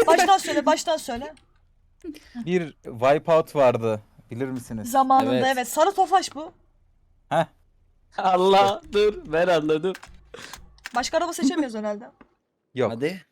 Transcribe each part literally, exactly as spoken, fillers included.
Baştan söyle, baştan söyle. Bir Wipeout vardı. Bilir misiniz? Zamanında evet. Evet. Sarı Tofaş bu. Heh. Allah dur ben anladım. Başka araba seçemiyoruz herhalde. Yok. Hadi.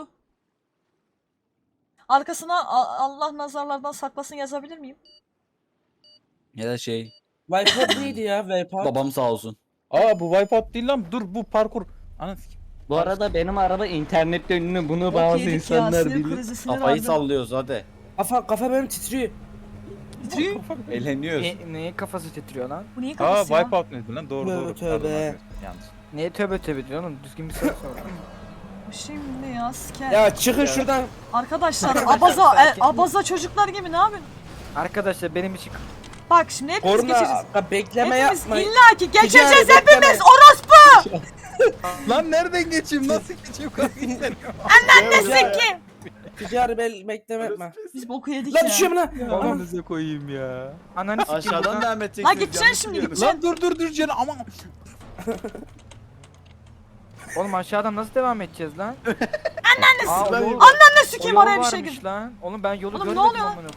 Arkasına A- Allah nazarlardan saklasın yazabilir miyim? Ya da şey Wipeout neydi ya Wipeout? babam sağ olsun. Aa bu Wipeout değil lan. Dur bu parkur. Ana sikeyim. Bu arada benim araba internette ünlü, bunu Bok bazı yedik insanlar ya, sinir bilir. krizi, sinir Kafayı aldım. sallıyoruz hadi. Kafa, kafa benim titriyor. Titriyor. Eğleniyoruz. Ne, neye kafası titriyor lan? Bu niye Aa kafası ya? Wipeout neydi lan? Doğru Tövbe doğru. tövbe. Pardon, arkadaşlar, yanlış. Neye tövbe tövbe diyorsun oğlum? Düzgün bir soru sor. Şimdi ya siker. Ya çıkın şuradan. Arkadaşlar abaza e, abaza çocuklar gibi ne yapıyorsun? Arkadaşlar benim için Bak şimdi hepimiz Korna geçeceğiz. ka- bekleme Hepimiz yapmayın. illaki geçeceğiz Ticari hepimiz. bekleme. Orospu Lan nereden geçeyim? Nasıl geçeyim? ne sikim. Ticari bel bekleme yapma. Biz boku yedik Lan ya. düşüyorum lan. Babanıza koyayım ya. ananı sikeyim Aşağıdan buradan. devam edeceksiniz. Lan gideceksin yanlış şimdi, biliyorum. gideceksin. Lan dur dur dur canım aman. Oğlum aşağıdan nasıl devam edeceğiz lan? Anneniz. Aa, o Lan- yol- Ne o sikeyim yol oraya bir şey varmış gir. lan. Oğlum ben yolu Oğlum ne görmedim oluyor? amına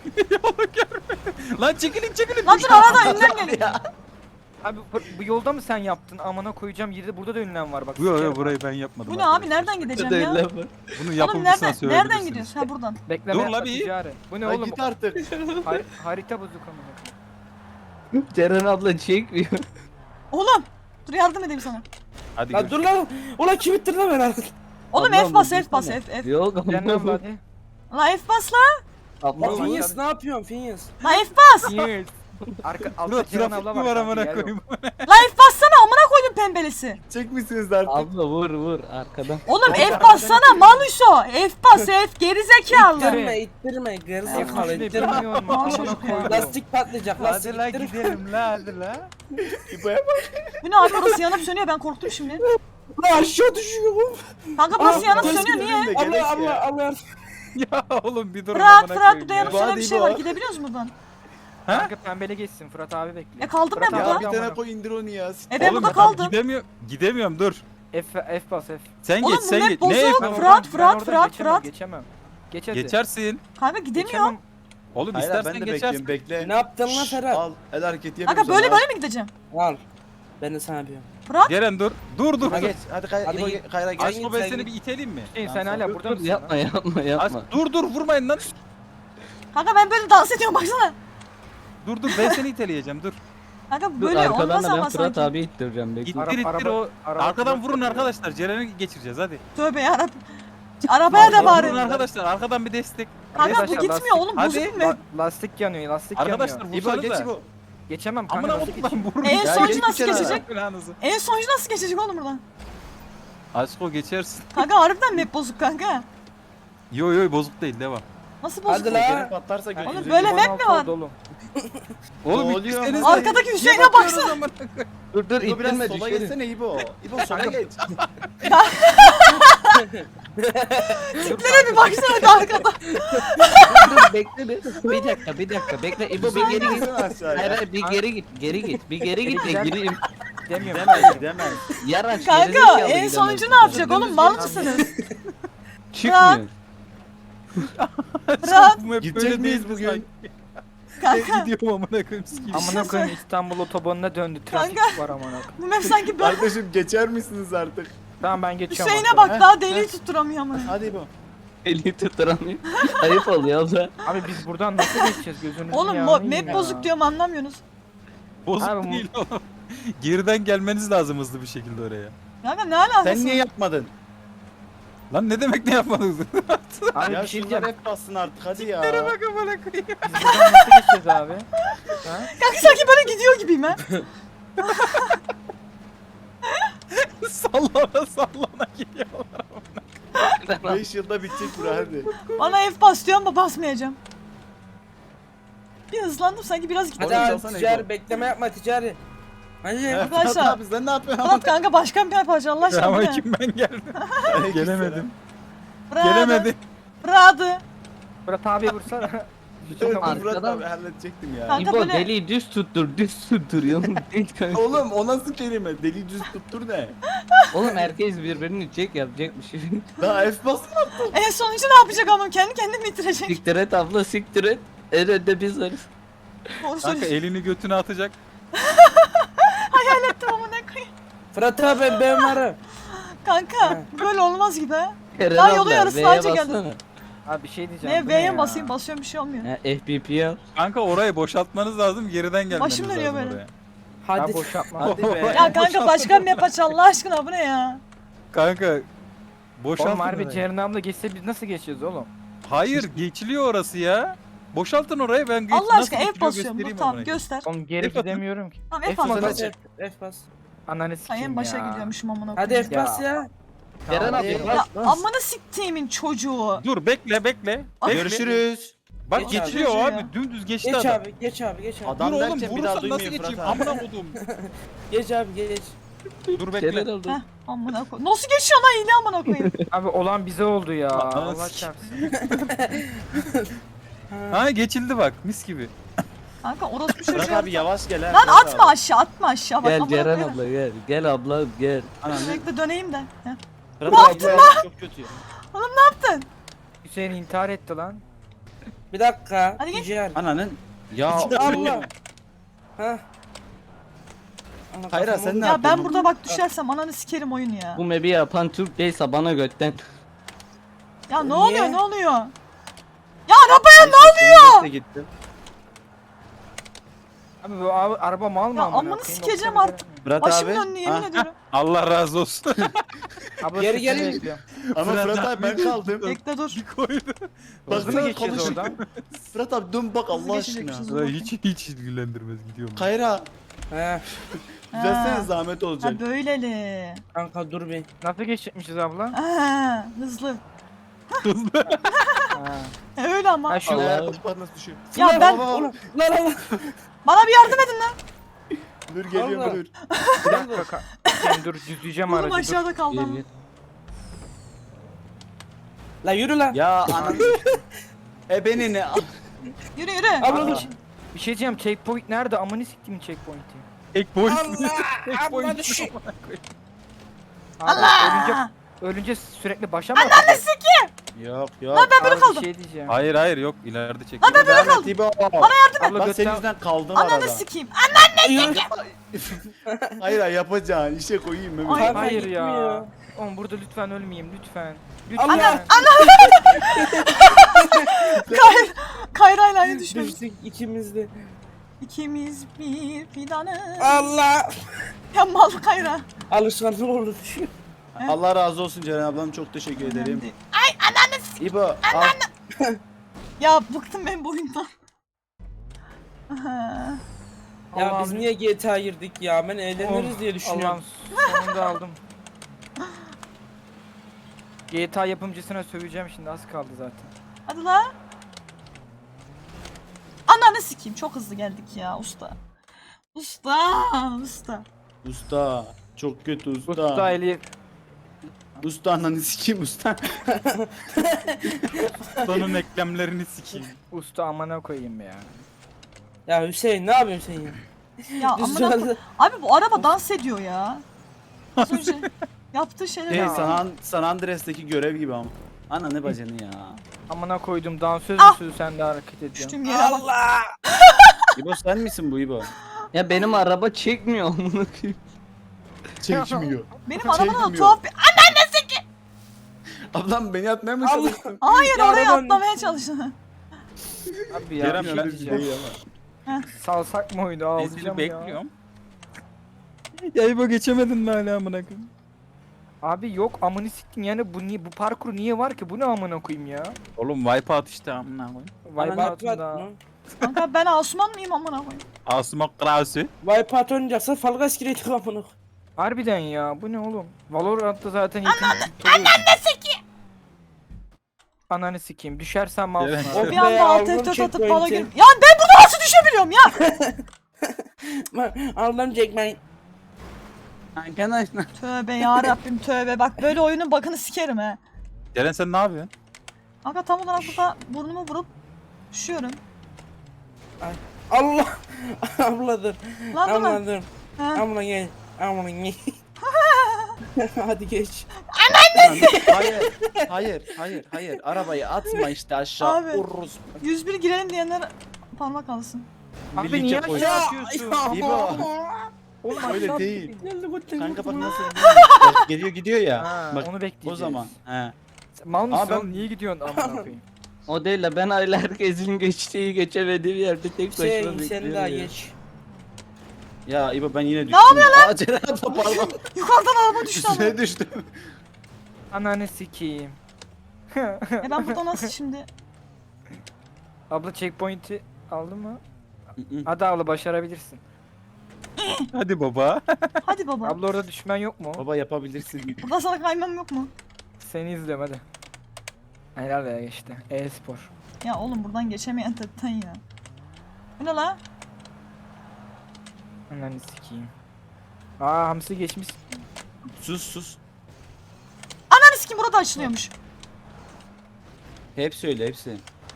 koyayım. Lan çekilin çekilin. Lan dur arada ünlem geliyor. Abi bu, bu yolda mı sen yaptın? Amına koyacağım yeri, burada da ünlem var bak. Yok sikerim. yok burayı ben yapmadım. Bu ne abi arkadaşlar. nereden gideceğim ya? Bunu Oğlum yapımcısına nereden, söyleyebilirsiniz. nereden gidiyorsun? Ha buradan. Bekleme Dur yapma, la bir. ticari. Bu ne Lan oğlum? git artık. Har- harita bozuk amına koyayım. Ceren abla çekmiyor. Oğlum dur yardım edeyim sana. Hadi Lan dur lan. Ulan kim ittirdi lan beni? Oğlum Ablam, F bas dur, F bas dursana. F F. Yok Ceren abla. abla hadi. La F bas la. Lan Abla Phineas ne yapıyorsun Phineas? La F bas. Yes. Arka Dur altta Ceren trafik abla mi var. var kanka, amına yer yok. koyayım. La F bassana amına koydum pembelisi. Çekmişsiniz artık. abla vur vur arkadan. Oğlum F bassana Manuso. F bas F geri zekalı. İttirme ittirme F gerizekalı tuşunu ittirme. bilmiyorum Aa, amına çocuk ya. koydum. Lastik patlayacak lastik Hadi la ittirme. gidelim la hadi la. İbo'ya bak. Bu ne abi orası yanıp sönüyor ben korktum şimdi. Lan aşağı düşüyorum. Kanka burası Aa, yanıp burası sönüyor niye? Gerek Allah ya. Allah Allah. Ya oğlum bir durun Fırat amına Fırat koyayım burada ya. yanıp sönen bir Hadi şey İbo. var gidebiliyoruz mu buradan? Ha? Kanka pembele geçsin, Fırat abi bekliyor. E kaldım Fırat ben abi burada. Ya bir amına tane koy indir onu ya. E ben Oğlum burada tamam, kaldım. Gidemiyorum. Gidemiyorum dur. F, F bas F. Sen Oğlum geç bu sen map geç. bozuk. Ne Ben yapıyorsun? Fırat, ben Fırat, oradan Fırat, geçemem, Fırat. Geçemem. Geç hadi. Geçersin. Kanka gidemiyor. Geçemem. Oğlum Hayır istersen ben de geçersin. bekliyorum bekle. Ne yaptın lan Şşş, Ferhat? Al el hareketi Kanka yapıyoruz. böyle böyle mi gideceğim? Al. Ben de sana yapıyorum. Fırat Ceren dur. Dur dur. Hadi geç. Hadi kay Hadi İbo git. kayra geç. Aşko ben Sen seni git. bir itelim mi? Hüseyin sen Tamam, hala Dur, burada dur, mısın? yapma yapma Aşk, yapma. dur dur vurmayın lan. kanka ben böyle dans ediyorum baksana. Dur dur ben seni iteleyeceğim dur. Kanka Dur, böyle arkadan olmaz da ben ama Fırat sanki. abi ittireceğim bekle. İttir Ara- ittir araba- o. araba Arkadan Fırat vurun yapıyor. arkadaşlar. Ceren'i geçireceğiz hadi. Tövbe yarabbim. Arabaya da Vurun bari. arkadaşlar. Arkadan bir destek. Kanka bu Arkadaşlar, gitmiyor lastik- oğlum Hadi. bozuk mu? La- lastik yanıyor, lastik Arkadaşlar yanıyor. İbo vursanız geç da. İbo. Geçemem kanka, Amına nasıl koyayım lan geçeyim? vurun. En Ya sonuncu geç nasıl bir kenara. geçecek? Planınızı. En sonuncu nasıl geçecek oğlum buradan? Aşko geçersin. Kanka harbiden map bozuk kanka. Yo yo bozuk değil devam. Nasıl bozuk? Hadi la. Geri patlarsa Oğlum götürürüz. böyle Duman map mi altı var? oldu oğlum. Oğlum Ne oluyor ittirseniz ama? de- Arkadaki Niye Hüseyin'e bakıyorsunuz baksana. amına koyayım? Dur dur İbo biraz ittirme sola düşerim. geçsene İbo. İbo sola geç. Tiplere bir baksana da arkada. Dur dur bekle bir. Bir dakika bir dakika bekle. İbo bir geri git. Gitsene aşağıya. Hayır hayır bir geri git. Geri git. Bir geri git de Gideceğim. gireyim. Demiyorum. Demez demez. Yaraş Kanka gerizekalı en gidemez. sonuncu ne yapacak oğlum mal mısınız? Çıkmıyor. Fırat. Bu hep Gidecek böyle miyiz değil bugün? Kanka Gidiyorum amına koyayım sikeyim. Amına koyayım İstanbul otobanına döndü. Trafik Kanka. var amına koyayım. bu map sanki böyle. Kardeşim geçer misiniz artık? Tamam ben geçiyorum. Hüseyin'e arkadan. bak daha deliği tutturamıyor ama. Hadi İbo. Eli tutturamıyor. Ayıp oluyor abla. Abi biz buradan nasıl geçeceğiz gözünüzün Oğlum yağını mo- yiyeyim map ya. bozuk diyorum anlamıyorsunuz. Bozuk Abi bu- değil oğlum. Geriden gelmeniz lazım hızlı bir şekilde oraya. Kanka ne alakası? Sen niye yapmadın? Lan ne demek ne yapmadınız? Abi Ya bir şey şunlar diyeceğim. hep bassın artık hadi ya. bak amına koyayım. Biz buradan nasıl geçeceğiz abi? Ha? Kanka sanki böyle gidiyor gibiyim ha. sallana sallana geliyorlar. beş yılda bitecek bura hadi. Bana F bas diyorum ama basmayacağım. Bir hızlandım sanki biraz Hadi gittim. Oğlum, abi çalsana ticari İbo. bekleme yapma ticari. Hadi. Arkadaşlar. Abi sen ne yapıyorsun? Fırat kanka başkan bir yapacak Allah aşkına bu Ama ne? kim ben geldim. Gelemedim. Fırat. Gelemedim. Fırat. Fırat abi vursana. Bütün Murat Arkadan- abi halledecektim ya. Kanka İbo böyle- deliği düz tuttur, düz tuttur yanım. Değil kanka. Oğlum o nasıl kelime? Deli düz tuttur ne? Oğlum herkes birbirini çek yapacakmış. Daha F bas. En sonucu ne yapacak ama kendi kendini bitirecek. Siktir et abla siktir et. En önde biz varız. Doğru Kanka söylüyorsun. elini götüne atacak. Hayal ettim ama ne koyayım. Fırat abi ben, ben varım. Kanka böyle olmaz gibi ha. Eren Daha abla, yolu yarısı V'ye anca bassana. geldi. Abi bir şey diyeceğim. Ne bu ne V'ye ya? basayım basıyorum bir şey olmuyor. Ha, F B P al. Kanka orayı boşaltmanız lazım, geriden gelmeniz Başım dönüyor lazım böyle. oraya. Hadi. Abi boşaltma. Hadi be. Ya kanka başka bir map aç Allah aşkına bu ne ya? Kanka boşaltın Oğlum harbi orayı. Ceren abla geçse biz nasıl geçeceğiz oğlum? Hayır geçiliyor orası ya. Boşaltın orayı, ben geç, Allah nasıl aşkına F geçiliyor basıyorum. Dur göstereyim tamam amına göster. Oğlum geri F atın. gidemiyorum ki. Tamam F F basın atın. hadi. F, F bas. Ananı Ay sikeyim en başa ya. gidiyormuşum amına Hadi koyayım. F bas ya. Ceren Hadi. abla Ya bas bas. amına siktiğimin çocuğu. Dur bekle bekle. Ay, Bekle. Görüşürüz. Bak Geç geçiliyor abi. abi, dümüz geçti Geç adam. abi, geç abi, geç abi. Adam Dur oğlum, derken bir daha vurursam nasıl duymuyor geçeyim? Fırat abi. Amına kodum. Geç abi, geç. Dur bekle. Ceren abla. Heh amına koy. Nasıl geçiyor lan hile amına koyayım. Abi olan bize oldu ya. Ananı Allah sikeyim. çarpsın. Ha geçildi bak, mis gibi. Kanka orospu Fırat çocuğu. abi yavaş gel ha. Lan Fırat atma abi. aşağı atma aşağı bak Gel amına Ceren koyayım. abla gel. Gel abla gel. Ananı. Bekle döneyim de. Heh. Fırat abi bu çok kötü. Oğlum ne yaptın? Hüseyin intihar etti lan. Bir dakika. Hadi gel. Ciğer. Ananın. Ya Allah. Ha. Ana, Hayır, kafam sen oldu. ne Ya yaptın ben bu? burada bak düşersem ananı sikerim oyun ya. Bu map'i yapan Türk değilse bana götten. Ya ne Niye? oluyor ne oluyor? Ya arabaya ne oluyor? Ne gittim. Abi bu abi, araba mal mı Ya amına amını koyayım? sikeceğim Yoksa artık. Fırat Başımın abi. önüne yemin Ha, ediyorum. Allah razı olsun. Abla Geri sesini gelin. bekliyorum. Ama Fırat Fırat abi ben abi. kaldım. Bekle dur. Koydu. Nasıl Baksana geçeceğiz konuşun. oradan? Fırat abi dön bak Hızlı Allah geçecekmişiz. aşkına. Ulan hiç hiç ilgilendirmez, gidiyorum. Kayra. He. Düzelsene Ha. zahmet olacak. Ha böyleli. Kanka dur bir. Nasıl geçecekmişiz abla? Ha, hızlı. Ha. E öyle ama. Ha şu Allah bak nasıl düşüyor. Ya Ulan, ben- ulan, ulan, ulan, ulan. Bana bir yardım edin lan. Dur geliyor Allah. dur. bir dakika. ka- Hüseyin dur düzleyeceğim Oğlum aracı dur. aşağıda kaldı Gel ama. gel. La yürü lan. Ya ananı. E beni ne? Yürü yürü. Abla Aa. dur. Bir şey diyeceğim checkpoint nerede? Amını siktim checkpoint'i. Tek boy. Allah. Abla düşün. Abi, Allah. Ölünce, ölünce sürekli başa mı atacağız? Yok yok. Lan ben böyle Abi, kaldım. Bir şey diyeceğim. Hayır hayır yok, ileride çek. Lan ben böyle kaldım. İbo. Abla Bak senin götten... yüzünden kaldım Ananı arada. sikeyim. Hayır hayır yapacağın işe koyayım Mehmet. Ay, Kanka Hayır ya. gitmiyor. Oğlum burada lütfen ölmeyeyim lütfen. Allah. Lütfen. Kay Kayra'yla aynı düşmüş. Düştük ikimiz de. İkimiz bir fidanı. Allah. Ya mal Kayra. Alışkanlık oldu düşün. Allah razı olsun Ceren ablam, çok teşekkür ederim. Ay ananı s- İbo al. Ya bıktım ben bu oyundan. Aha. Ya Allah'ım. biz niye G T A girdik ya? Ben eğleniriz diye düşünüyorum. Allah'ım sonunda aldım. G T A yapımcısına söveceğim şimdi az kaldı zaten. Hadi la. Ananı sikeyim çok hızlı geldik ya usta. Usta, usta. Usta. Çok kötü usta. Usta Usta, eli usta ananı sikeyim usta. Sonun eklemlerini sikeyim. usta amına koyayım ya. Ya Hüseyin ne yapıyorsun sen ya? Ya Düz amına yolda- koy- Abi bu araba dans ediyor ya. Az önce yaptığı şeyler. Şey, ya. San, San Andreas'taki görev gibi ama. Ana ne bacını ya. Amına koydum dansöz Ah! müsün sen de hareket ediyorsun. Düştüğüm yere bak. Allah. İbo sen misin bu İbo? Ya benim araba çekmiyor amına koyayım. Çekmiyor. Benim arabada da Çekmiyor. tuhaf bir... Ablam beni atmaya mı Allah. çalıştın? Hayır Ya oraya arabanın- atlamaya çalıştı. Abi ya Kerem bir şey ben diyeceğim. Değil ama. Salsak mı oyunu Ezili alacağım ya. bekliyorum. Ya İbo geçemedin mi hala amına koyayım? Abi yok amını siktim yani bu niye bu parkur niye var ki bu ne amına koyayım ya. Oğlum wipeout işte amına koyayım. Wipeout'unda. Kanka ben Asuman mıyım amına koyayım? Asmak krausi. Wipeout oynayacaksa Fall Guys gireydik amına. Harbiden ya bu ne oğlum? Valorant'ta zaten yetenek Ananı sikeyim. Ananı sikeyim. Düşersem Evet. mouse'um O abi. Bir be, anda alt aldım F dört atıp checkpoint'i. bala girip... Ya ben burada nasıl düşebiliyorum ya? Aldım Jackman. Arkadaşlar. Tövbe ya Rabbim tövbe. Bak böyle oyunun bakını sikerim he. Ceren sen ne yapıyorsun? Kanka tam olarak burada burnumu vurup düşüyorum. Allah. Abla dur. Lan dur Abla lan. dur. Ha. Abla gel. Abla gel. Hadi geç. Hayır. Hayır. Hayır. Hayır. Arabayı atma işte aşağı. Abi. Vururuz. yüz bir girelim diyenler parmak alsın. Abi Birlikte niye koy. aşağı atıyorsun? İbo. Oğlum Öyle aşağı değil. Geldi götür. Kanka bak nasıl Bak, geliyor gidiyor ya. Ha, Bak onu bekleyeceğiz. o zaman. He. Sen mal mısın Abi ben- oğlum? Niye gidiyorsun amına koyayım? O değil de ben hala herkesin geçtiği geçemediği bir yerde tek başıma Hüseyin bekliyorum. sen daha ya. geç. Ya İbo ben yine düştüm. yapıyor lan? Aa Ceren abla pardon. Yukarıdan araba düştü ama. Üstüne düştüm. Ananı sikeyim. E ben burada nasıl şimdi? Abla checkpoint'i aldın mı? Hı hı. Hadi abla başarabilirsin. Hadi baba. Hadi baba. Abla orada düşmen yok mu? Baba yapabilirsin. Burada sana kaymam yok mu? Seni izliyorum hadi. Helal ya işte. E-spor. Ya oğlum buradan geçemeyen tetten ya. Bu ne la? Ananı sikeyim. Aa hamsi geçmiş. Sus sus. Ananı sikim burada açılıyormuş. Hepsi öyle hepsi.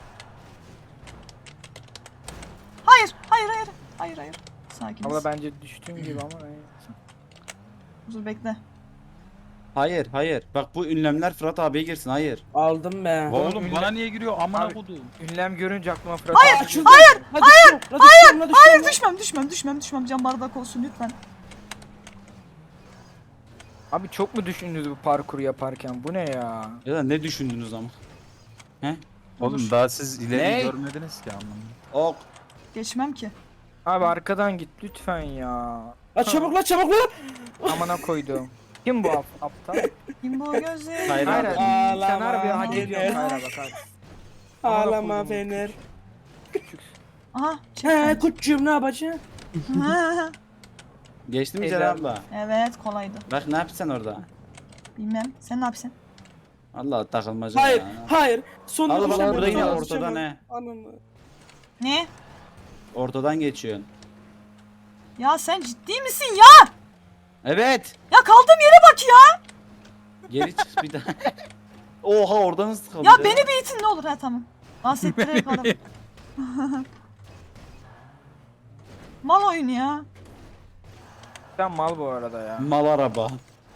Hayır, hayır, hayır. Hayır, hayır. Sakiniz. Abla bence düştüğüm gibi ama neyse. Dur bekle. Hayır hayır. Bak bu ünlemler Fırat abiye girsin hayır. Aldım be. Oğlum bana niye giriyor? Amına Abi- kodum. Ünlem görünce aklıma Fırat Hayır, abi Açıldı. hayır, Hadi hayır, hayır, hayır, Hayır düşmem, düşmem, düşmem, düşmem. Can bardak olsun lütfen. Abi çok mu düşündünüz bu parkuru yaparken? Bu ne ya? Ya da ne düşündünüz ama? Oğlum daha siz ileri Ne? görmediniz ki amına. Ok. Geçmem ki. Abi arkadan git lütfen ya. La çabuk la çabuk la. Amına koydum. Kim bu ap aptal? Kim bu gözleri? Hayır Hayır abi. abi. Sen Ağlama, harbi hak ağlama. ediyorsun Hayra bak hadi. Amına Ağlama koydum. Fener. Aha, He çek. kutucuğum ne yapacaksın? Geçti mi Teyze Ceren abla. abla? Evet, kolaydı. Bak ne yapacaksın orada? Bilmem. Sen ne yapsın? Allah takılmaca Hayır ya. hayır. Son Allah düşeceğim, Allah burada yine son ortada düşeceğim. ne? Ananı. Ne? Ortadan geçiyorsun. Ya sen ciddi misin ya? Evet. Ya kaldığım yere bak ya. Geri çık bir daha. Oha oradan nasıl kaldı? Ya beni bir itin ne olur ha tamam. Bahsettirerek adam. Mal oyun ya. Sen mal bu arada ya. Mal araba.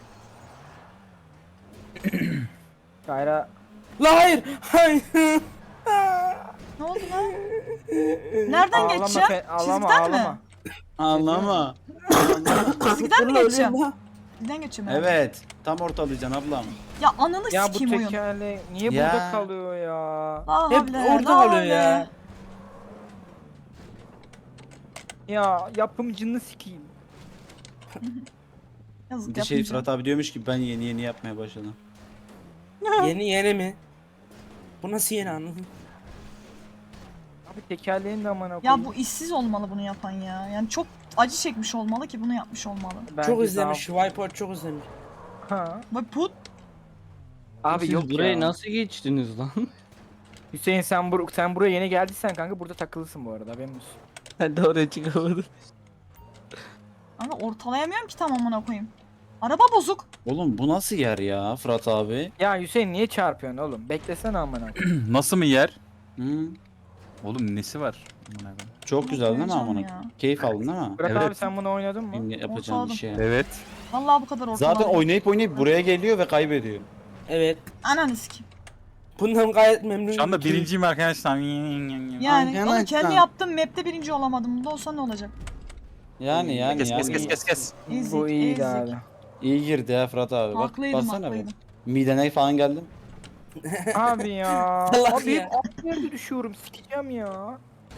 Hayra La hayır. Hayır. Ne oldu lan? Nereden ağlama geçeceğim? fe- ağlama Çizgiden ağlama. mi? Anlama. Çizgiden mi Dur la, geçeceğim? ölüyorum Çizgiden geçeceğim. herhalde. Evet. Tam ortalayacaksın ablam. Ya ananı Ya bu sikeyim oyun. tekerle niye Ya. burada kalıyor ya? La Hep havle, orada la kalıyor havle. ya. Ya yapımcını sikeyim. Yazık Bir de şey yapmayacağım. Fırat abi diyormuş ki ben yeni yeni yapmaya başladım. ya. Yeni yeni mi? Bu nasıl yeni anladın? Abi tekerleğin de amına Ya koyayım. bu işsiz olmalı bunu yapan ya. Yani çok acı çekmiş olmalı ki bunu yapmış olmalı. Bence Çok izlemiş. daha- Wipeout çok izlemiş. Ha. Bak put. Abi Siz yok burayı ya. nasıl geçtiniz lan? Hüseyin sen bur sen buraya yeni geldiysen kanka burada takılısın bu arada haberin olsun. Ben de oraya çıkamadım. Ama ortalayamıyorum ki tam amına koyayım. Araba bozuk. Oğlum bu nasıl yer ya Fırat abi? Ya Hüseyin niye çarpıyorsun oğlum? Beklesene amına koyayım. Nasıl mı yer? Hı? Oğlum nesi var? Amına koyayım. Çok güzel değil mi Koyacağım amına? ya. Keyif aldın değil mi? Bırak Evet. abi sen bunu oynadın mı? Benim yapacağım Ortaladım. bir şey. Evet. Vallahi bu kadar ortaladım. Zaten oynayıp oynayıp buraya geliyor ve kaybediyor. Evet. Ananı sikeyim. Bundan gayet memnunum. Şu anda ki- birinciyim arkadaşlar. Yani Aynen, oğlum kendi aynen. yaptığım map'te birinci olamadım. Bunda olsa ne olacak? Yani yani Kes kes yani. kes kes kes. Ezik, Bu iyiydi ezik. abi. İyi girdi ya Fırat abi. Bak, Haklıydım baksana haklıydım. bak. Midene falan geldim. Abi ya. Allah abi ya. hep aynı yerde düşüyorum sikeceğim ya.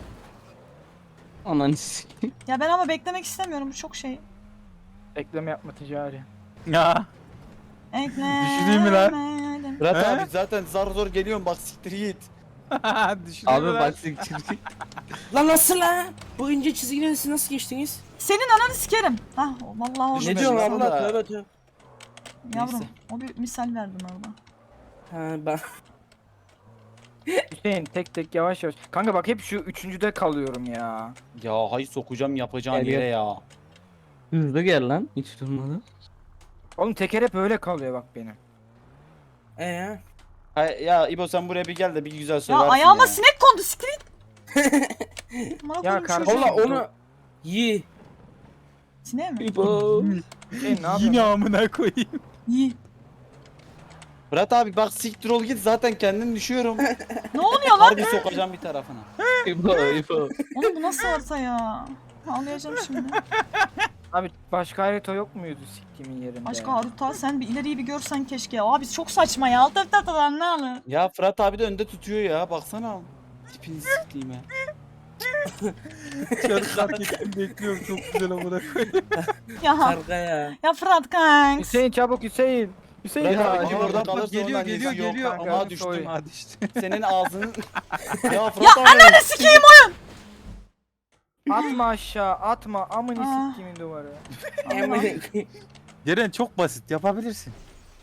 Ananı sikeyim. Ya ben ama beklemek istemiyorum bu çok şey. Ekleme yapma ticari. Ya. Ekle. Düşüneyim mi lan? Fırat He? abi zaten zar zor geliyorum bak siktir git. Düşünüyor Abi lan. bak siktir. Lan nasıl lan? Bu ince çizgiden siz nasıl geçtiniz? Senin ananı sikerim. Hah vallahi orada. Ne Ne diyorsun diyorsun abla? abla? Tövbe tövbe. Yavrum Neyse. o bir misal verdim orada. Ha ben. Hüseyin tek tek yavaş yavaş. Kanka bak hep şu üçüncüde kalıyorum ya. Ya hay sokacağım yapacağın Gel, yere gel. ya. Hızlı gel lan. Hiç durmadı. Oğlum teker hep öyle kalıyor bak benim. Ee? Hay, ya İbo sen buraya bir gel de bir güzel Ya söylersin ayağıma ya. sinek kondu siktir. Amına Ya koydum kardeşim. çocuğu. Valla onu yi. Sineğe mi? İbo. Şey, ne yapıyorsun? Yine amına koyayım. İyi. Fırat abi bak siktir ol git zaten kendim düşüyorum. Ne oluyor lan? Harbi sokacağım bir tarafına. İbo İbo. Oğlum bu nasıl harita ya? Ağlayacağım şimdi. Abi başka harita yok muydu siktimin yerinde? Başka harita sen bir ileriyi bir görsen keşke. Abi çok saçma ya. Alt alt alt alt ne alır? Ya Fırat abi de önde tutuyor ya baksana. Tipini siktiğime. Çarı fark ettim bekliyorum çok güzel amına koyayım. Ya. Karga ya. Ya Fırat kanks. Hüseyin çabuk Hüseyin. Hüseyin Bırak ya. abi, acı acı oradan oradan pat- kalırsa Geliyor ondan geliyor nesi yok geliyor. kanka, Ama Aa düştüm. soy. Ha düştü. Senin ağzının... ya Fırat Ya abi. ananı sikeyim oyun. Atma aşağı atma amını Aa. siktimin duvarı. Ceren çok basit yapabilirsin.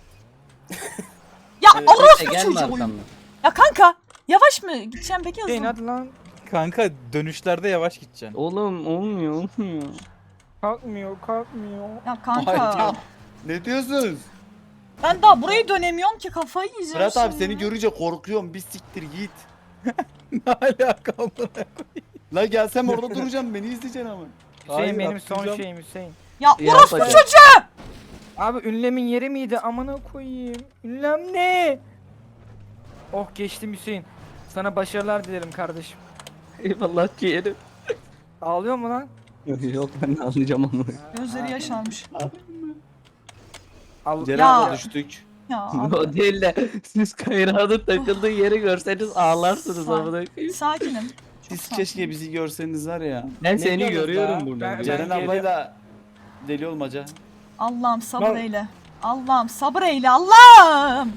Ya Evet, orospu Gelme çocuğu oyun. arkamdan. Ya kanka. Yavaş mı gideceğim peki Hüseyin hızlı? hadi lan. Kanka dönüşlerde yavaş gideceksin. Oğlum olmuyor olmuyor. Kalkmıyor kalkmıyor. Ya kanka. Hayda. Ne diyorsunuz? Ben daha burayı dönemiyorum ki kafayı yiyeceğim Fırat abi şimdi. seni görünce korkuyorum. Bir siktir git. Ne alaka amına? La gelsem orada duracağım beni izleyeceksin ama. Hüseyin Hayır, benim son atlayacağım. şeyim Hüseyin. Ya Ya orospu yapacağım. çocuğu. Abi ünlemin yeri miydi amına koyayım. Ünlem ne? Oh geçtim Hüseyin. Sana başarılar dilerim kardeşim. Eyvallah ciğerim. Ağlıyor mu lan? Yok yok ben de anlayacağım onu. Gözleri yaşarmış. Al Ceren Ya. abla düştük. Ya abi. O değil de siz kayrağının takıldığı yeri görseniz ağlarsınız Sağ- amına koyayım. Sakinim. Çok Siz sakin. keşke bizi görseniz var ya. Ben Ne seni diyorsunuz görüyorum ya? buradan. Ben- Ceren geliyorum. ablayla deli olmaca. Allah'ım sabır Lan- eyle. Allah'ım sabır eyle. Allah'ım.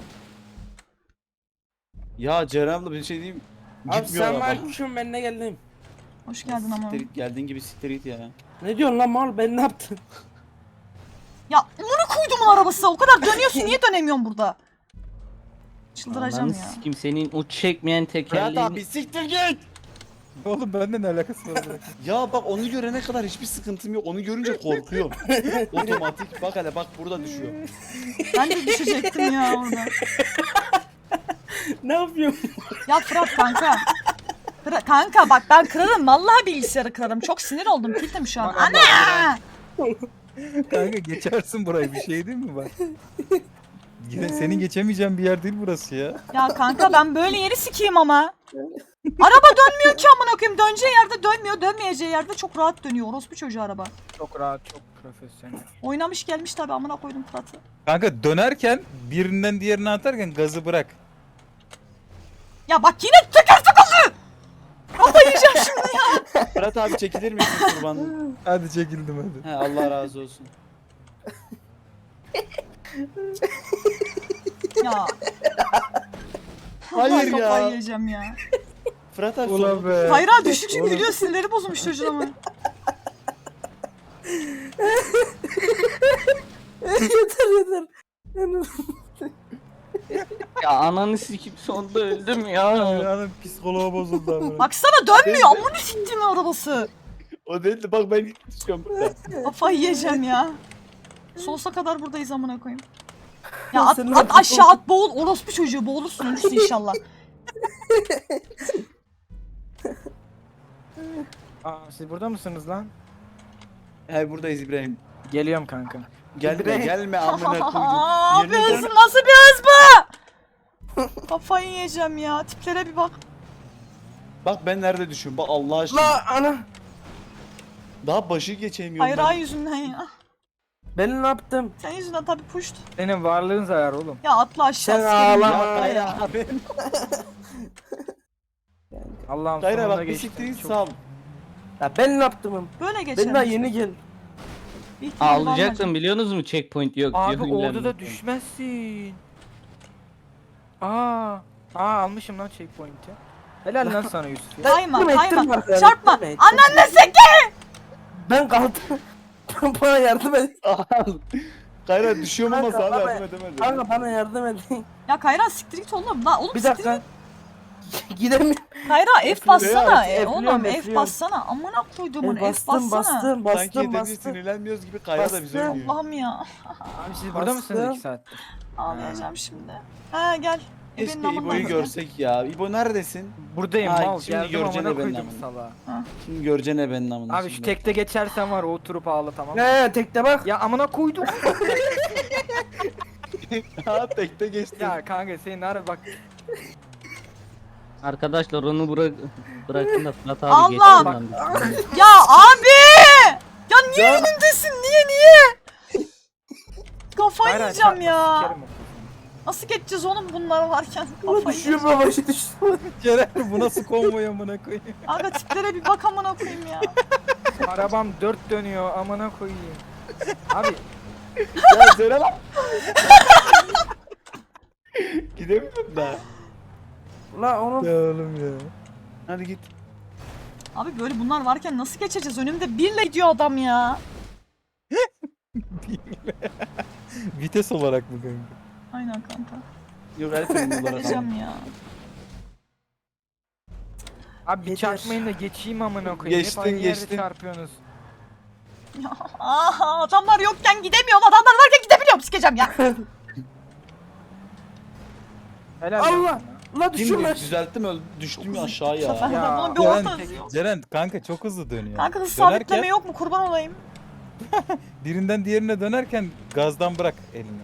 Ya Ceren abla bir şey diyeyim. Abi Gitmiyor sen araba. var kuşum ben de geldim. Hoş geldin ama. Siktir git, geldiğin gibi siktir git ya. Ne diyorsun lan mal ben ne yaptım? Ya bunu koydumun arabası. O kadar dönüyorsun. Niye dönemiyorsun burada? Çıldıracağım Ananı ya. sikim senin o çekmeyen Fırat tekerleğini. abi siktir git. Oğlum bende ne alakası var bırak. Ya bak onu görene kadar hiçbir sıkıntım yok. Onu görünce korkuyorum. Otomatik bak hele bak burada düşüyor. Ben de düşecektim ya orada. Ne yapıyorsun? Ya Fırat kanka. Fırat, kanka bak ben kırarım. Vallahi bilgisayarı kırarım. Çok sinir oldum. Kildim şu an. Ana! Kanka geçersin burayı bir şey değil mi bak? Yine senin geçemeyeceğin bir yer değil burası ya. Ya kanka ben böyle yeri sikeyim ama. Araba dönmüyor ki amına koyayım. Döneceği yerde dönmüyor. Dönmeyeceği yerde çok rahat dönüyor. Orospu çocuğu araba. Çok rahat çok profesyonel. Oynamış gelmiş tabi amına koydum Fırat'ı. Kanka dönerken birinden diğerine atarken gazı bırak. Ya bak yine teker takıldı. Kafayı yiyeceğim şimdi ya. Fırat abi çekilir misin kurbanım? Hadi çekildim hadi. He Allah razı olsun. Ya. Hayır Vallahi ya. Kafayı yiyeceğim ya. Fırat abi Ulan sorun- be. Hayra düştükçe Oğlum. gülüyor. Sinirleri bozulmuş çocuğun ama. yeter yeter. Ya ananı sikim sonunda öldüm ya. Hanım psikoloğa bozuldu amına. Baksana dönmüyor. Amına siktiğimin arabası. O değil de bak ben düşüyorum burada. Kafayı yiyeceğim ya. Sonsuza kadar buradayız amına koyayım. Ya at, Sen ne at yapıyorsun? aşağı at boğul. Orospu çocuğu boğulursun ölürsün inşallah. Aa siz burada mısınız lan? He buradayız İbrahim. Geliyorum kanka. Gelme İbrahim. gelme amına Aa, koydum. bir Yerine hız dön. nasıl bir hız bu? Kafayı yiyeceğim ya. Tiplere bir bak. Bak ben nerede düşüyorum bak Allah aşkına. La ana. Daha başı geçemiyorum Hayra ben. yüzünden ya. Ben ne yaptım? Sen yüzünden tabii puşt. Senin varlığın zarar oğlum. Ya atla aşağı. Sen sikerim ağlama. ya. Ya Kayra abi. Allah'ım Kayra sonunda bak bir geçtim. siktir git Çok- sağ ol. Ya ben ne yaptım? Böyle geçelim. Ben daha yeni gel. Bir ihtimal var Ağlayacaksın biliyorsunuz mu checkpoint yok Abi diyor. orada ünlem. da düşmezsin. Aa. Aa almışım lan checkpoint'i. Helal lan sana Yusuf ya. Kayma Ettirme, kayma. ettirme arkadaşlar, Çarpma. ettirme, ettirme. Anan ne seki? Ben kaldım. Bana yardım et. Kayra düşüyorum ama Kanka, sana bana- yardım edemedim. Kanka bana yardım et. Ya Kayra siktir git oğlum. La oğlum Bir siktir dakika. Gidemiyorum. git. Kayra F bassana. F, E, F'liyorum, oğlum F F'liyorum. bassana. Amına koyduğumun E, F bastım bassana. bastım Sanki bastım hedefli bastım. sinirlenmiyoruz gibi Kayra da bizi Bastım. oynuyor. Allah'ım ya. Abi siz burada mısınız Bastım. iki saattir? Ağlayacağım şimdi. Ha gel. Keşke Ebenin amından İbo'yu da. görsek ya. İbo neredesin? Buradayım Ay, mal. şimdi Geldim göreceksin amına ebenin koydum amına. salağa. Şimdi göreceksin ebenin amına. Abi şu şimdi. tekte geçersen var oturup ağla tamam. He tekte bak. Ya amına koydum. Ha tekte geçti. Ya kanka senin ara bak. Arkadaşlar onu bırak bırakın da Fırat abi Allah! geçsin lan biz. Ya abi! Ya niye önümdesin? Niye niye? Kafayı Hayır, yiyeceğim hayır, ya. sikerim o. Nasıl geçeceğiz oğlum bunlar varken? Ulan Kafayı düşüyor yiyeceğim. babaşı düştü. Ceren bu nasıl konvoy amına koyayım. Aga tiplere bir bak amına koyayım ya. Arabam dört dönüyor amına koyayım. Abi Ya söyle lan. Gidemiyorum da. Ulan oğlum. Ya oğlum ya. Hadi git. Abi böyle bunlar varken nasıl geçeceğiz? Önümde birle gidiyor adam ya. Vites olarak mı kanka? Aynen kanka. Yok her türlü olarak. Geçeceğim ya. abi bir Yeter. çarpmayın da geçeyim amına koyayım. Geçtin, Hep aynı yerde geçtin. çarpıyorsunuz. Ya, aha adamlar yokken gidemiyorum. Adamlar varken gidebiliyorum. Sikeceğim ya. Helal olsun Allah. ya. Ulan düşüyor Kim lan. düzelttim öl düştüm ya aşağı Bu sefer ya. Ya, bunun bir Ceren, orta. Ceren kanka çok hızlı dönüyor. Kanka hız Dönerken sabitleme yok mu? Kurban olayım. birinden diğerine dönerken gazdan bırak elini.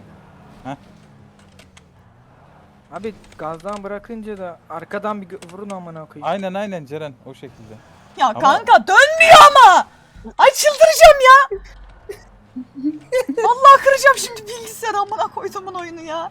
Abi gazdan bırakınca da arkadan bir gö- vurun amına koyayım. Aynen aynen Ceren o şekilde. Ya Ama- kanka dönmüyor ama. Ay çıldıracağım ya. Vallahi kıracağım şimdi bilgisayarı amına koyduğumun oyunu ya.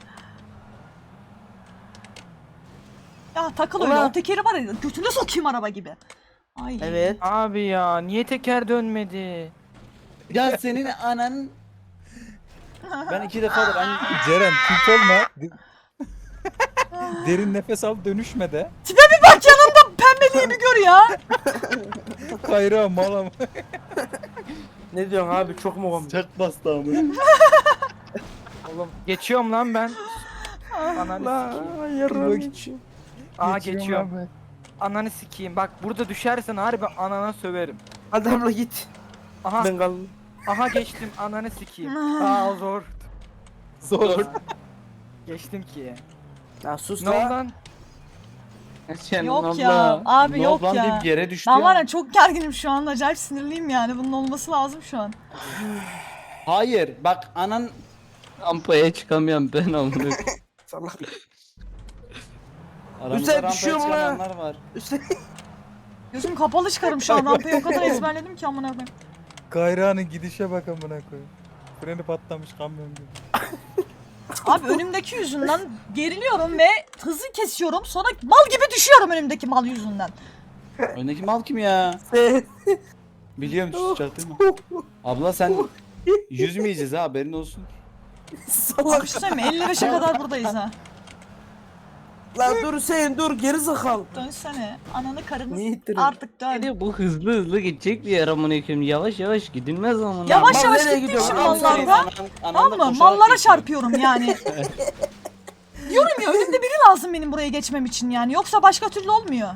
Ya takıl öyle Ulan. o tekeri var ya götüne sokayım araba gibi. Ay. Evet. Abi ya niye teker dönmedi? Ya senin anan. Ben iki defa da ben Ceren tilt olma. De- Derin nefes al dönüşme de. Tipe bir bak yanımda pembeliğimi gör ya. Kayra mal ama. Ne diyorsun abi çok mu komik? çak bastı ama. Oğlum geçiyorum lan ben. Ananı Lan sikeyim. yarım Bak- geçiyor. Aa geçiyorum. Ananı sikeyim. Bak burada düşersen harbi anana söverim. Hadi abla git. Aha Ben kaldım. aha geçtim ananı sikeyim. Aa zor. Zor. Geçtim ki. Ya sus Ne oldu lan. lan? Sen Yok abla. ya abi Ne yok oldu lan ya. deyip yere düştü Ben ya. var ya çok gerginim şu an acayip sinirliyim yani bunun olması lazım şu an. Hayır bak anan Rampaya çıkamıyorum ben amına. Salak. aramızda Güzel rampaya düşüyor mu lan? çıkanlar var. Üstelik Gözüm kapalı çıkarım şu an rampayı o kadar ezberledim ki amına koyayım. Kayra'nın gidişe bak amına koyayım. Freni patlamış kamyon gibi. Abi önümdeki yüzünden geriliyorum ve hızı kesiyorum sonra mal gibi düşüyorum önümdeki mal yüzünden. Öndeki mal kim ya? sen. Biliyorum düşecek değil mi? Abla sen yüzmeyeceğiz ha haberin olsun. Salak. Bir şey söyleyeyim mi? elli beşe kadar buradayız ha. Lan dur Hüseyin dur geri sakal. Dönsene. Ananı karını Niye ittirin? artık dön. Hadi bu hızlı hızlı gidecek bir yer amına koyayım. Yavaş yavaş gidilmez amına. Yavaş Mal yavaş nereye gittiğim gidiyor? için Adam mallarda. Anan- anan da Tamam mı? koşarak Mallara geçiyor. çarpıyorum yani. Diyorum ya önümde biri lazım benim buraya geçmem için yani. Yoksa başka türlü olmuyor.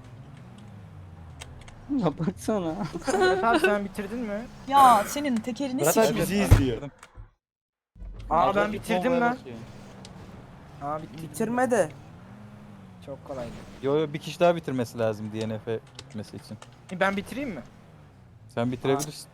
Ya baksana. Evet abi sen bitirdin mi? Ya senin tekerini Murat abi sikeyim. bizi izliyor. Aa ben Abla bitirdim konvoya lan. bakıyor. Aa bitirdim. Bitirme de. Çok kolaydı. Yo yo bir kişi daha bitirmesi lazım D N F'e gitmesi için. E, Ben bitireyim mi? Sen bitirebilirsin.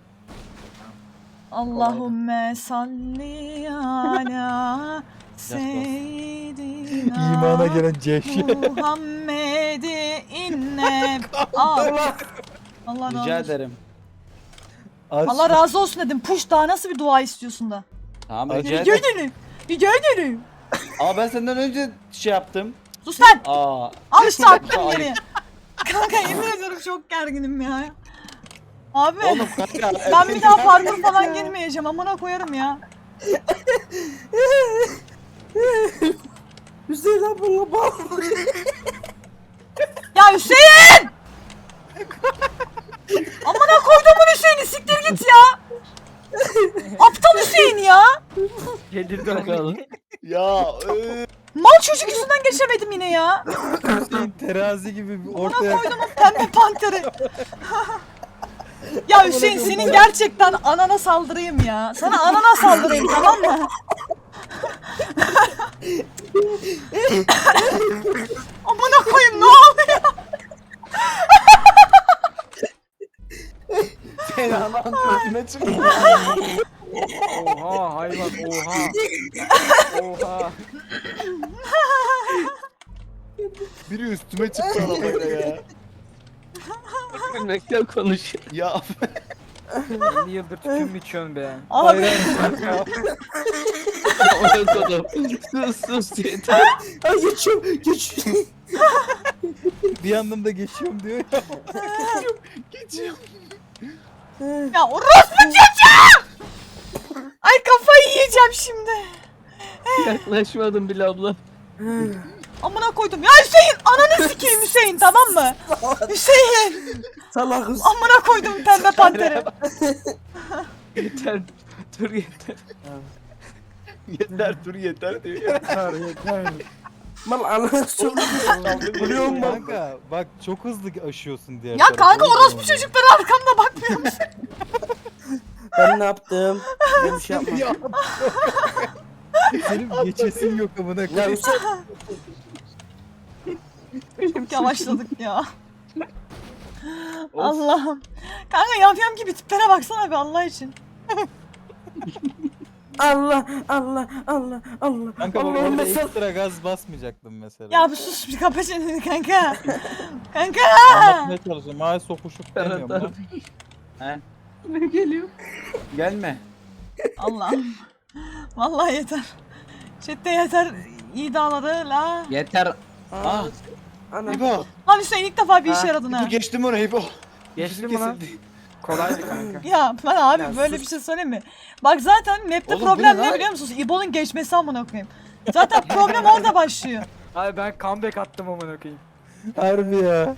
Allahümme salli ala seyyidina İmana gelen ceşe. Muhammed'i inne. Aa, Allah razı Rica olsun. ederim. Allah razı olsun dedim. Puş daha nasıl bir dua istiyorsun da? Tamam Ay, rica Rica ederim. ederim. Rica ederim. Ama ben senden önce şey yaptım. Sus lan. Aa. Al işte attım Ay. geriye. Kanka yemin ediyorum çok gerginim ya. Abi Oğlum kanka. ben bir daha parkur falan girmeyeceğim. Amına koyarım ya. Hüseyin abla bak. Ya Hüseyin! Amına koyduğumun Hüseyin'i siktir git ya. Aptal Hüseyin ya. Delirdi Bakalım. Ya. eee. Mal çocuk yüzünden geçemedim yine ya. Hüseyin terazi gibi bir Amına ortaya koyduğumun pembe panteri. Ya Hüseyin senin gerçekten anana saldırayım ya. Sana anana saldırayım tamam mı? Amına koyayım ne oluyor? Sen anan gözüme çıktı. Oha hayvan oha. Oha. Biri üstüme çıktı arabayla ya. Gülmekten konuşuyor. Ya elli yıldır tütün mü içiyorsun be? Abi Ona kodum. Sus sus yeter. Ay geçiyorum geçiyorum. Bir yandan da geçiyorum diyor ya. geçiyor. ya orospu çocuğu! Ay kafayı yiyeceğim şimdi. Yaklaşmadım bile abla. Amına koydum. Ya Hüseyin ananı sikeyim Hüseyin tamam mı? Hüseyin Salakız. amına koydum pembe panteri. Yeter. Dur yeter. Yeter dur yeter diyor ya. Yeter yeter. Mal ananı çok Biliyor musun? Kanka bak çok hızlı aşıyorsun diğer Ya tarafa. kanka O yüzden orospu oluyor. çocukları arkamda bakmıyor musun? Ben ne yaptım? Ben bir şey yapmadım. Ya Senin geçesin yok amına Ya koyayım. Hüseyin. Çok yavaşladık ya. Allah'ım. Kanka yamyam gibi tiplere baksana bir Allah için. Allah Allah Allah Allah. Kanka bak Allah'ım orada mesela. ekstra gaz basmayacaktım mesela. Ya bir sus bir kapa çeneni kanka. Kanka. Anlatmaya çalışıyorum. Ay sokuşup demiyorum Ferhat lan. He? Ne geliyor? Gelme. Allah'ım. Vallahi yeter. Chatte yeter. İyi dağladı la. Yeter. Ah. Ana. İbo. Lan Hüseyin ilk defa bir işe Ha, yaradın ha. İbo geçtim orayı İbo. Geçtin mi lan? Kesildi. Kolaydı kanka. Ya ben abi Ya böyle sus. bir şey söyleyeyim mi? Bak zaten map'te Oğlum bu problem ne ne lan? biliyor musunuz? İbo'nun geçmesi amına koyayım. Zaten problem orada başlıyor. Abi ben comeback attım amına koyayım. Harbi ya.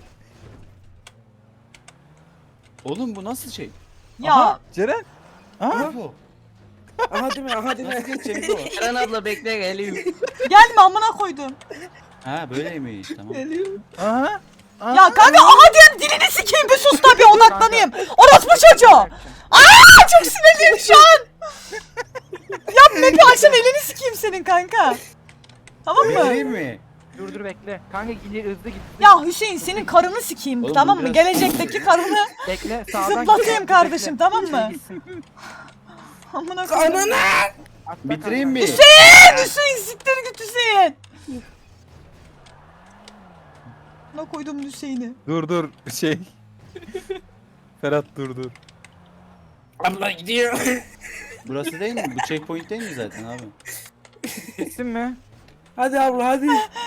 Oğlum bu nasıl şey? Ya Aha, Ceren. Aha. İbo. Aha değil mi? Aha değil Nasıl mi? geçeceğim İbo? Eren abla bekle geliyorum. gelme amına koydum. Ha böyleymiş tamam. Aha. Aha. Ya kanka aha diyen dilini sikeyim bir sus da bir odaklanayım. Orospu çocuğu. Aa çok sinirliyim şu an. Ya map'i açan elini sikeyim senin kanka. Tamam mı? Vereyim mi? Dur dur bekle. Kanka ileri hızlı git. Ya Hüseyin senin karını sikeyim Oğlum tamam bu mı? biraz- Gelecekteki karını Bekle sağdan zıplatayım git. kardeşim Bekle. tamam mı? Gitsin. Amına koyayım. Ananı. Atla Bitireyim mi? kanka. Hüseyin! Hüseyin siktir git Hüseyin. Ne koydum Hüseyin'i? Dur dur şey. Ferhat dur dur. Abla gidiyor. Burası değil mi? Bu checkpoint değil mi zaten abi? Gitsin mi? Hadi abla hadi.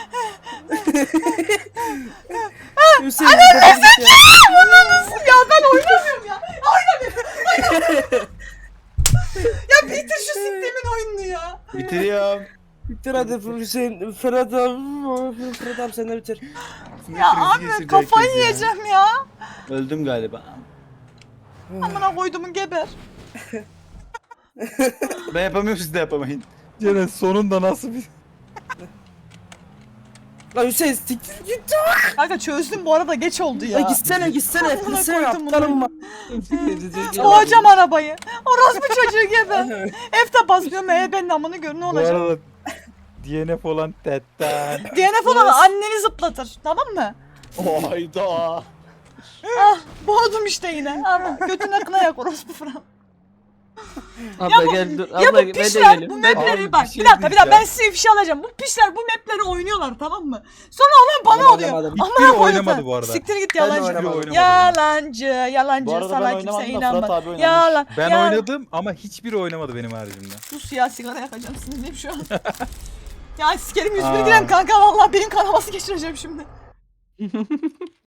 Hüseyin. Hüseyin. Ya ben oynamıyorum ya. Oynamıyorum. Ya bitir şu siktiğimin oyununu ya. Bitiriyorum. Bitir hadi Hüseyin. Ferhat abi. Ferhat abi sen de bitir. Ya abi kafayı yiyeceğim ya. Öldüm galiba. Amına koydumun geber. Ben yapamıyorum siz de yapamayın. Ceren sonunda nasıl bir... Lan Hüseyin siktir git. Kanka çözdüm bu arada geç oldu Ya ya. gitsene gitsene. Amına Gitsene koydum aptalım bunu. bak. Boğacağım arabayı. Orospu çocuğu geber. F'de basmıyorum E benim amını gör ne Bu olacak. arada D N F olan tetten. D N F olan anneni zıplatır tamam mı? Hayda. Ah boğdum işte yine. Ara götüne kına yak orospu falan. Abla gel dur. Ya Abla bu ben de pişler bu geliyorum. mapleri Abi, bak bir bir, şey dakika bir dakika diyeceğim. ben size ifşa alacağım. Bu pişler bu mapleri oynuyorlar tamam mı? Sonra olan bana Ben oluyor. oynamadım. Amına Hiçbiri koydum oynamadı sen. bu arada. Siktir git Ben de yalancı. oynamadım. oynamadım. Yalancı, yalancı Bu arada ben sana oynamadım kimse da Fırat inanmaz. abi oynamış. Yalan. Ben yalan. oynadım ama hiçbiri oynamadı benim haricimde. Sus ya sigara yakacağım sinirliyim şu an. Ya sikerim yüz Aa. bir gram kanka vallahi benim kanaması geçireceğim şimdi.